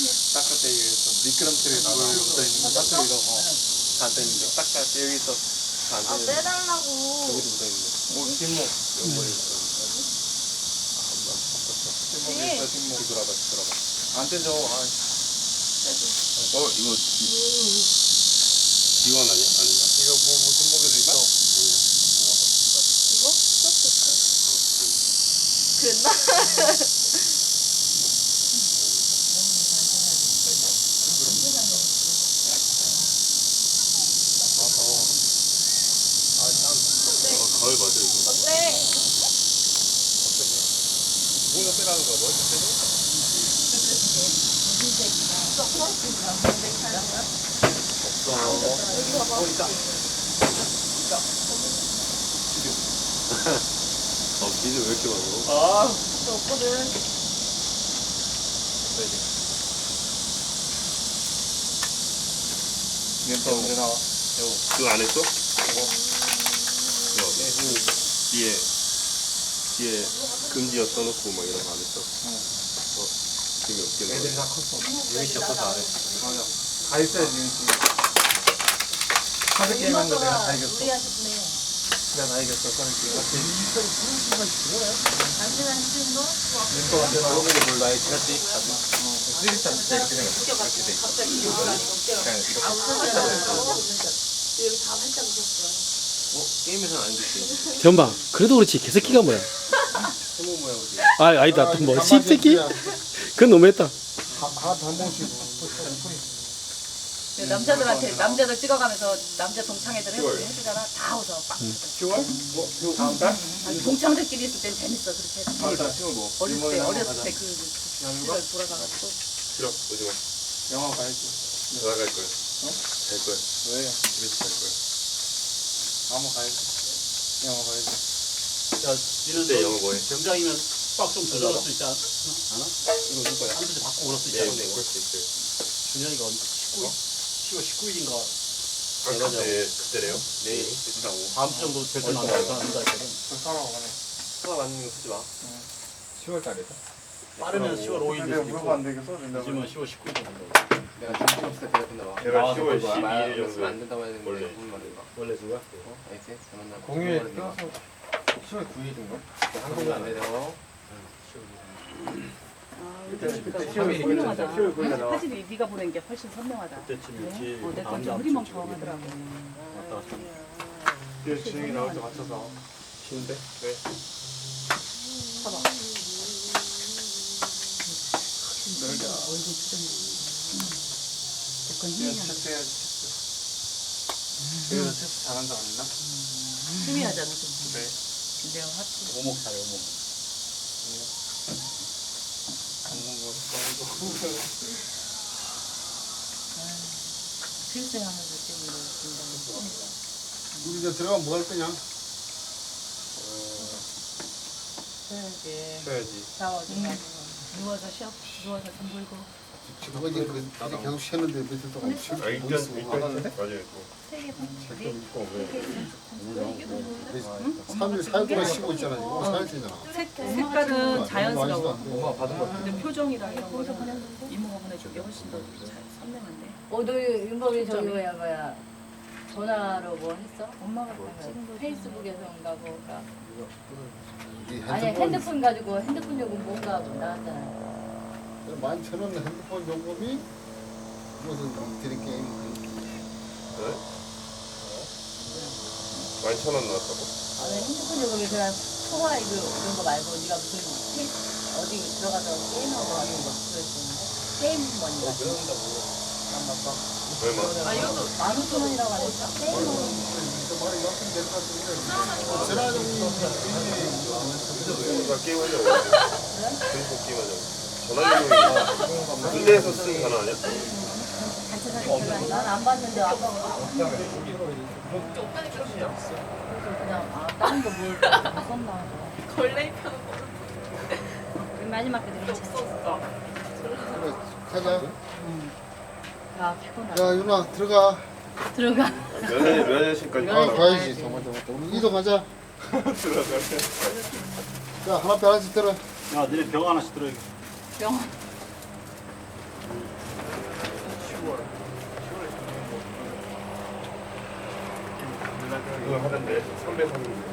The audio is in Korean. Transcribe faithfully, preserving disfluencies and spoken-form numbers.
닦을 때 여기서 미끄럼틀에 물 묻어있는 거 닦으기도 안 되는데 닦을 때 여기서 안 아, 되는데 빼달라고. 여기도 묻어있는데 뭐 뒷목 옆머리 있어 뒷목에 있어 뒷목 뒤돌아봐 뒤돌아봐 안 떼져 아. 어 이거 지원 아니야? 아닌가? 이거 뭐, 뭐 뒷목에도 있어 이거? 썼었어. 그랬나? 아 더워 아땀 어 가을 맞아 이거. 어때? 뭐가 빼라는 거야 뭐 이렇게 빼줘? 없어 어 있다 어 비즈 왜 이렇게 많아? 아 저 없거든. 이건 또 언제 나와? 여우 그거 안 했어? 이거 야, 뒤에 뒤에 금지어 써놓고 막 이런 거 안 했어? 응. 어 지금 몇 개나? 애들이 다 컸어 유미 씨 없어서 안 했어 맞아 다 있어야지 유미 씨 카드 게임 한 거 내가 다 이겼어 우리 하셨네. 내가 다 이겼어 카드 게임 당신은 힘든 거? 멘토한테 그러면 몰라 지났지 쓰리스타 진짜 이렇게 생겼어 이렇게 돼 있어 갑자기 기억나니 그냥 이렇게 아, 웃었잖아. 여기 다 활짝 웃었어. 어 게임에서는 안 됐지. 전방 그래도 그렇지 개새끼가 뭐야? 세모 모양이지. 아 아니다 뭐 씹새끼? 그건 너무했다. 하나도 한 번씩 남자들한테 남자들 찍어가면서 남자 동창회들 해주- 해주잖아. 다 웃어. 빡. 시월? 뭐? 다음 달? 아니, 동창들끼리 있을 땐 재밌어. 그렇게 해서. 다음 달 시월 뭐? 어렸을 때 일본에 어렸을 가자. 때 그 시절 돌아가가지고 싫어 오지 마. 영화 가야지 전화 갈 거야. 어? 갈 거야. 왜? 집에서 갈 거야. 한번 가야지 영화 가야지 야, 니는 그때 너 영어 뭐해? 병장이면 빡좀 조절할 수 있지 않- 않아? 이거 누 거야? 한 주제 바꾸고 그럴 수 있지 네, 않아? 네, 그럴 수 있어요. 준현이가 십구 일? 시월 십구 일인가 아, 그때 그때래요? 네. 됐다고. 다음 주 정도 될 때는 안 된다 한다 했거든. 그 사람 가네 수학 안 있는 거 쓰지 마. 시월 달이다 빠르면 시월 오 일 내가 될 수도 물어봤는데 있고 이거 써준다고 늦으면 시월 십구 일 된다고. 내가 정신 없을 때 대답한다 봐. 내가 나와서 시월 볼 거야. 십이 일 그랬으면 안 정도에 된다고 해야 되는데 원래. 무슨 말인가? 원래 누가? 어? 알지? 잘못나. 공휴일 껴서 시월 구 일인가? 한국은 안 되죠. 그때 시월 시월 선명하다. 시월 구 일에 나와 사진이 네가 보낸 게 훨씬 선명하다. 그때쯤이었지. 어, 내가 다음 좀 다음 흐리멍텅 주쯤. 하더라고. 왔다 갔다. 이 진행이 나올 때 맞춰서 쉬운데? 네 봐봐. 놀자 얼굴 표정이. 그건 그냥 힘이 하나. 체스 해야지 체스 그래서 체스 잘한 사람 있나? 힘이 하잖아 좀. 네 내가 하트. 오목 사요 오목. 먹는 거 좋아하고 필생하면서 찍는 거. 우리 이제 들어가면 뭐 할 거냐? 쉬어야지. 쉬어야지. 샤워 좀 하고. 누워서 쉬어. 누워서 좀 불고. 지금 어제 그 어제 계속 쉬었는데 며칠 동안 쉬고 아 일단 뭐 있어? 일단 맞아요. 세개 반. 잠깐 있고 왜? 삼 일 사일 동안 쉬고 있잖아 지금 오늘 사일 되잖아. 색깔은 자연스러워. 엄마 받은 거 근데 표정이랑 이런 거는 이모가 보내준 게 훨씬 더 잘 선명한데. 어, 너 윤범이 저기 뭐야 뭐야 전화로 뭐 했어? 엄마가 찍은 거 페이스북에서인가 뭐가 이 아니 핸드폰 가지고 핸드폰 요금 뭔가 나왔잖아. 만 천 원 핸드폰 요금이 무슨 드림 게임 네? 만 천 원 나왔다고? 아니 핸드폰 요금이 그냥 통화 이거 이런 거 말고 네가 무슨 페이스 어디 들어가서 게임하고 하는 거 그랬었는데 게임 머니가 얼마? 아 이것도 만 오천 원이라고 하니까 게임 머니. 전화 요금이 누가 게임하자고. Facebook 게임하자고. 전화 요금이 군대에서 쓰는 전화 아니야? 단체 사진 난안 봤는데 아빠가 그래서 그냥 아 다른 거뭘 썼나 하고. 걸레 펴는 거. 마지막 때 괜찮아. 그래 가자. 야 피곤하다. 야 윤아 들어가. 들어가. 면회 면회실까지 아 가라. 가야지 정말 정말 우리 이동하자. 들어가. 자 하나 편 하나씩 들어. 야, 니네 병 하나씩 들어야겠다. 병원. 그거 하던데 삼 배 사는 거.